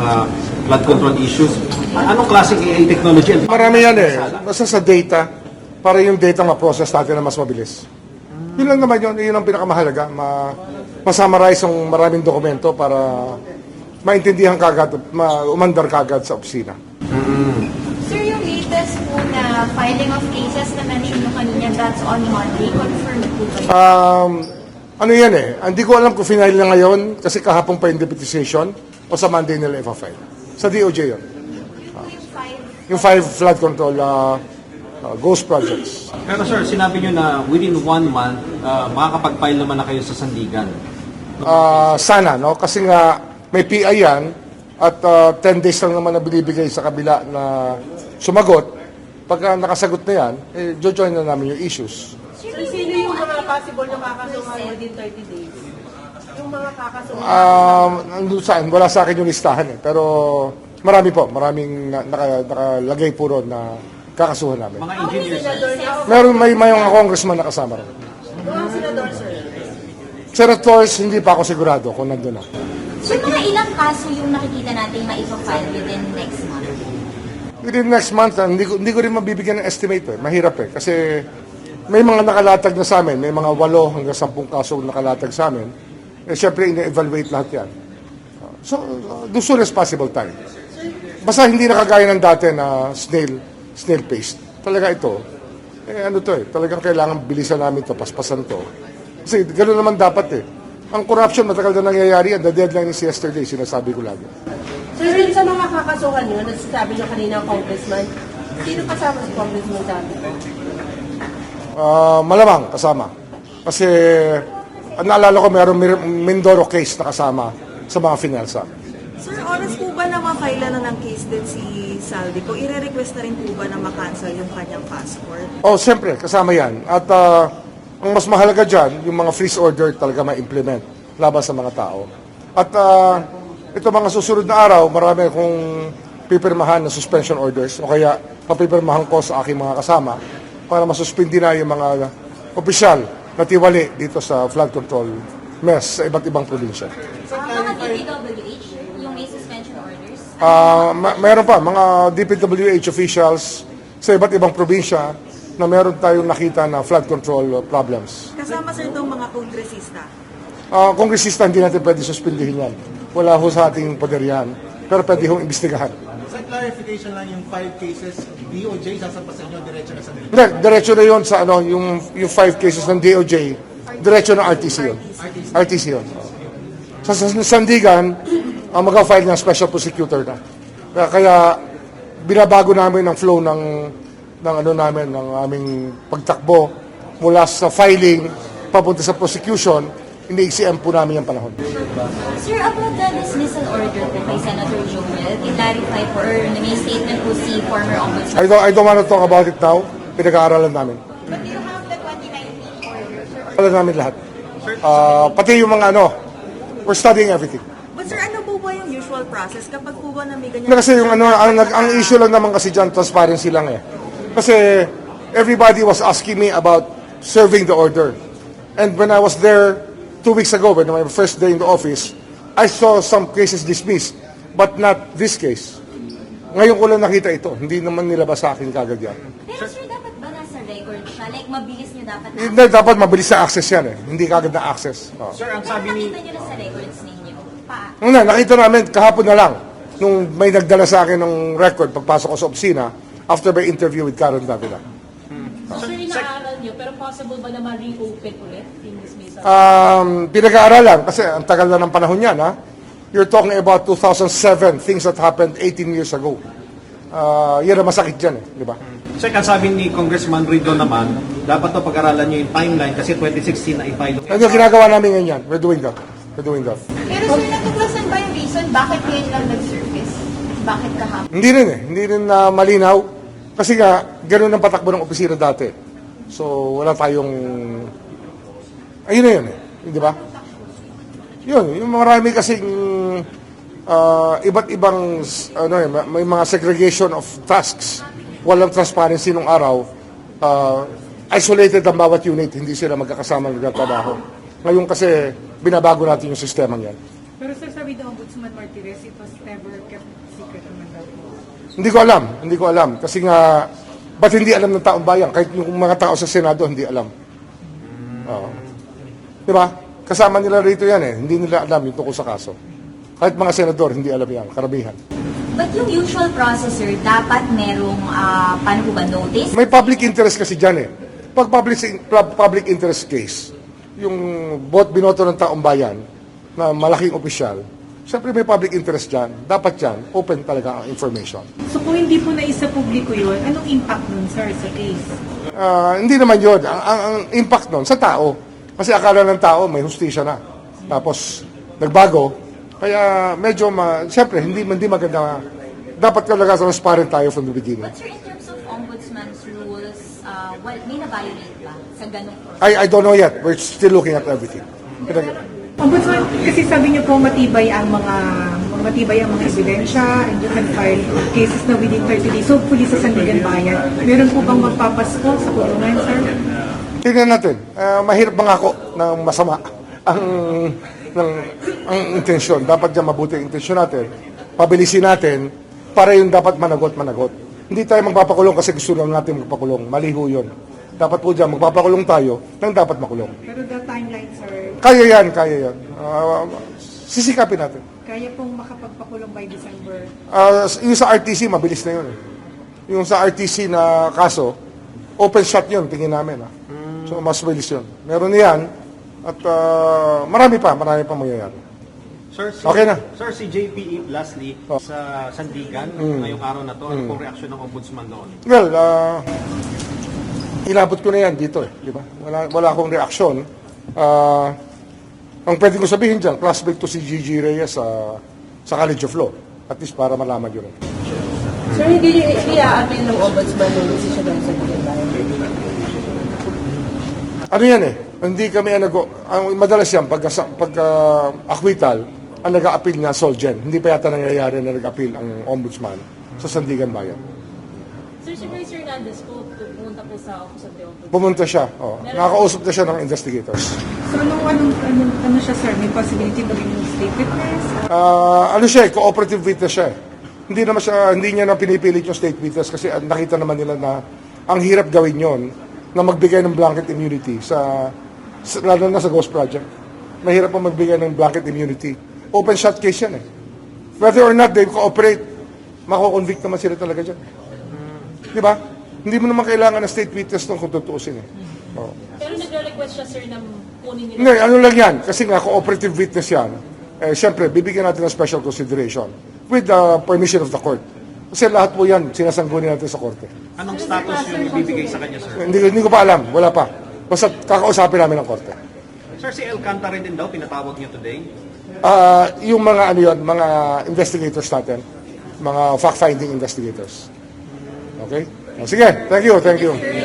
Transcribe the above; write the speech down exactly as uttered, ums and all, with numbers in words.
uh, flood control issues. Anong klaseng A I technology? Marami yan eh. Basta sa data, para yung data ma-process natin na mas mabilis. Yun lang naman yun. Yun ang pinakamahalaga. Ma Masummarize ang maraming dokumento para maintindihan kagad, ma umandar kagad sa opisina. Mm-hmm. Sir, yung latest po na filing of cases na mention nyo kanina, that's on Monday. Confirm po ba yun? Um, ano yan eh. Hindi ko alam kung final na ngayon kasi kahapon pa yung deputization o sa Monday nila i-file. Sa D O J yun. Uh, yung five, yung five flood control uh, uh, ghost projects. Pero sir, sinabi nyo na within one month, uh, makakapag-file naman na kayo sa Sandigan. Uh, sana, no? Kasi nga may P I yan at uh, ten days lang naman na binibigay sa kabila na sumagot. Pagka nakasagot na yan, eh, jojoin na namin yung issues. So, sino yung mga possible na kakasuhan within thirty days? Yung mga kakasuhan? Um, nandun saan, wala sa akin yung listahan eh. Pero marami po, maraming na, naka, nakalagay po ron na kakasuhan namin. Mga engineers, sir. Meron may may mga congressman na kasama ron. Mga senador, sir? Senators, hindi pa ako sigurado kung nandun na. So, mga ilang kaso yung nakikita natin maipafile within next month? Within next month, ah, hindi, ko, hindi ko rin mabibigyan ng estimate eh. Mahirap eh. Kasi may mga nakalatag na sa amin, may mga walo hanggang sampung kaso nakalatag sa amin. Eh, syempre, ina-evaluate lahat yan. Uh, so, uh, the soon as possible time. Basta hindi nakagaya ng dati na snail, snail paste. Talaga ito, eh ano to eh, talagang kailangan bilisan namin to, paspasan to. Kasi gano'n naman dapat eh. Ang corruption, matagal na nangyayari yan. The deadline is yesterday, sinasabi ko lagi. Sir, din sa mga kakasuhan nyo, nasasabi nyo kanina ang congressman, sino kasama si congressman dati? Uh, malamang kasama. Kasi ang naalala ko mayroong Mindoro case na kasama sa mga finalsa. Sir, oras po ba na ma-file na ng case din si Saldi? Kung i-request na rin po ba na ma-cancel yung kanyang passport? Oh, siyempre, kasama yan. At uh, ang mas mahalaga dyan, yung mga freeze order talaga ma-implement laban sa mga tao. At uh, ito mga susunod na araw, marami akong pipirmahan na suspension orders o kaya papipirmahan ko sa aking mga kasama para masuspindi na yung mga opisyal na tiwali dito sa flood control mess sa iba't ibang probinsya. So, mga D P W H, yung may suspension orders? Uh, ma- mayroon pa, mga D P W H officials sa iba't ibang probinsya na meron tayong nakita na flood control problems. Kasama sir itong mga kongresista? Uh, kongresista, hindi natin pwede suspindihin yan. Wala ho sa ating poder yan. Pero pwede hong imbestigahan. Sa clarification lang yung five cases, D O J sasampasan nyo diretso na sa Hindi, diretso na yun sa ano, yung, yung five cases ng D O J, diretso na R T C yun. R T C yun. Sa, sa Sandigan, uh, mag-file ng special prosecutor na. Kaya, kaya binabago namin ang flow ng ng ano namin, ng aming pagtakbo mula sa filing papunta sa prosecution, ini-C M po namin yung panahon. Sir, about the dismissal order po kay Senator Joel, i-clarify po or may statement po si former Ombudsman. I don't, I don't want to talk about it now. Pinag-aaralan namin. But do you have the twenty nineteen order, sir? Alam namin lahat. Uh, pati yung mga ano, we're studying everything. But sir, ano po ba yung usual process kapag po ba na may ganyan? Na kasi yung ano, ang, ang issue lang naman kasi dyan, transparency lang eh. Kasi everybody was asking me about serving the order. And when I was there two weeks ago, when my first day in the office, I saw some cases dismissed, but not this case. Ngayon ko lang nakita ito. Hindi naman nilabas sa akin kagad yan. Pero sir, dapat ba nasa record siya? Like, mabilis niyo dapat na? Hindi, dapat mabilis na access yan eh. Hindi kagad na access. Oh. Sir, ang Pero sabi ni... nakita niyo na sa records ninyo? Pa? Una, nakita namin kahapon na lang nung may nagdala sa akin ng record pagpasok ko sa opisina after my interview with Karen Davila. So, sir, inaaral nyo, pero possible ba na ma-reopen ulit yung dismissal? Um, pinag-aaralan kasi ang tagal na ng panahon yan, ha? You're talking about two thousand seven, things that happened eighteen years ago. Uh, yan ang masakit dyan, eh, di ba? Sir, ang sabi ni Congressman Rido naman, dapat to pag-aralan nyo yung timeline kasi twenty sixteen na i-file. Ano yung ginagawa namin ngayon yan? We're doing that. We're doing that. Pero sir, natuklasan ba yung reason bakit ngayon lang nag-surface? Bakit kahapon? Hindi rin eh. Hindi rin na malinaw. Kasi nga, ganoon ang patakbo ng opisina dati. So, wala tayong... Ayun na yun eh. Di ba? Yun, yung marami kasing uh, iba't ibang ano eh, may mga segregation of tasks. Walang transparency nung araw. Uh, isolated ang bawat unit, hindi sila magkakasama nagtatrabaho. Ngayon kasi, binabago natin yung sistema yan. Pero sir, sabi ng Ombudsman Martirez, it was never kept secret naman daw po. Hindi ko alam, hindi ko alam. Kasi nga, ba't hindi alam ng taong bayan? Kahit yung mga tao sa Senado, hindi alam. Oo. Di ba? Kasama nila rito yan eh. Hindi nila alam yung tungkol sa kaso. Kahit mga senador, hindi alam yan. Karamihan. But yung usual process, sir, dapat merong, ah, paano po ba, notice? May public interest kasi dyan eh. Pag public, public interest case, yung bot binoto ng taong bayan na malaking opisyal, siyempre may public interest dyan. Dapat dyan, open talaga ang information. So kung hindi po naisa publiko yun, anong impact nun, sir, sa case? Ah, hindi naman yun. Ang, ang, ang impact nun sa tao. Kasi akala ng tao may hustisya na. Tapos, nagbago. Kaya medyo, ma, siyempre, hindi, hindi maganda. Dapat talaga transparent tayo from the beginning. But sir, in terms of Ombudsman's rules, uh, well, may na-violate ba sa ganong process? I, I don't know yet. We're still looking at everything. Pinag- Ombudsman, kasi sabi niyo po matibay ang mga matibay ang mga ebidensya and you can file cases na within thirty days. So, hopefully sa Sandigan Bayan, meron po bang magpapasko sa kulungan, sir? Tingnan natin. Ah, mahirap mangako ng masama ang ng ang intensyon. Dapat diyan mabuti ang intensyon natin. Pabilisin natin para yung dapat managot managot. Hindi tayo magpapakulong kasi gusto lang natin magpakulong. Mali ho yun. Dapat po diyan magpapakulong tayo nang dapat makulong. Pero the timeline, sir, Kaya yan, kaya yan. Ah, sisikapin natin. kaya pong makapagpakulong by December. Ah, yung sa R T C, mabilis na yun. eh. Yung sa R T C na kaso, open shot yun, tingin namin. Ah. So, mas mabilis yun. Meron yan. At ah, marami pa, marami pa mangyayari. Sir, si, Okay na. Sir, si J P E, lastly, Oh. sa Sandigan, ngayong araw na to, ano pong reaksyon ng Ombudsman doon? Well, ah, inabot ko na yan dito eh. Di ba? Wala, wala akong reaksyon. Ah, ang pwede ko sabihin dyan, classmate ko si Gigi Reyes sa, sa College of Law. At least para malaman yun. Sir, hindi hindi a-appeal ng ombudsman yung decision ng Sandigan Bayan. Ano yan eh? Hindi kami ang nag- ang madalas yan, pagka, pagka acquittal, ang nag-a-appeal nga Solgen. Hindi pa yata nangyayari na nag-appeal ang ombudsman sa Sandigan Bayan. Sir, si Grace Hernandez po, pumunta po sa Office of the Ombudsman. Pumunta siya. Oh. Nakakausap na siya ng investigators. So, anong, anong, anong, ano siya, sir? May possibility na rin yung state witness? Ah, ano siya eh, cooperative witness siya eh. Hindi naman siya, hindi niya na pinipilit yung state witness kasi ah, nakita naman nila na ang hirap gawin yon na magbigay ng blanket immunity sa, sa lalo na sa Ghost Project. Mahirap pa magbigay ng blanket immunity. Open shot case yan eh. Whether or not they cooperate, mako-convict naman sila talaga dyan. Di ba? Hindi mo naman kailangan ng state witness nung kung tutuusin eh. Oo. Pero nagre-request siya, sir, na kunin nila. Hindi, ano lang yan. Kasi nga, cooperative witness yan. Eh, Siyempre, bibigyan natin ng special consideration with the permission of the court. Kasi lahat po yan, sinasangguni natin sa korte. Anong status yung ibibigay sa kanya, sir? Hindi, hindi ko pa alam, wala pa. Basta kakausapin namin ng korte. Sir, si Alcantara din daw, pinatawag niyo today. Ah, yung mga ano yun, mga investigators natin, mga fact-finding investigators. Okay? Sige, thank you, thank you.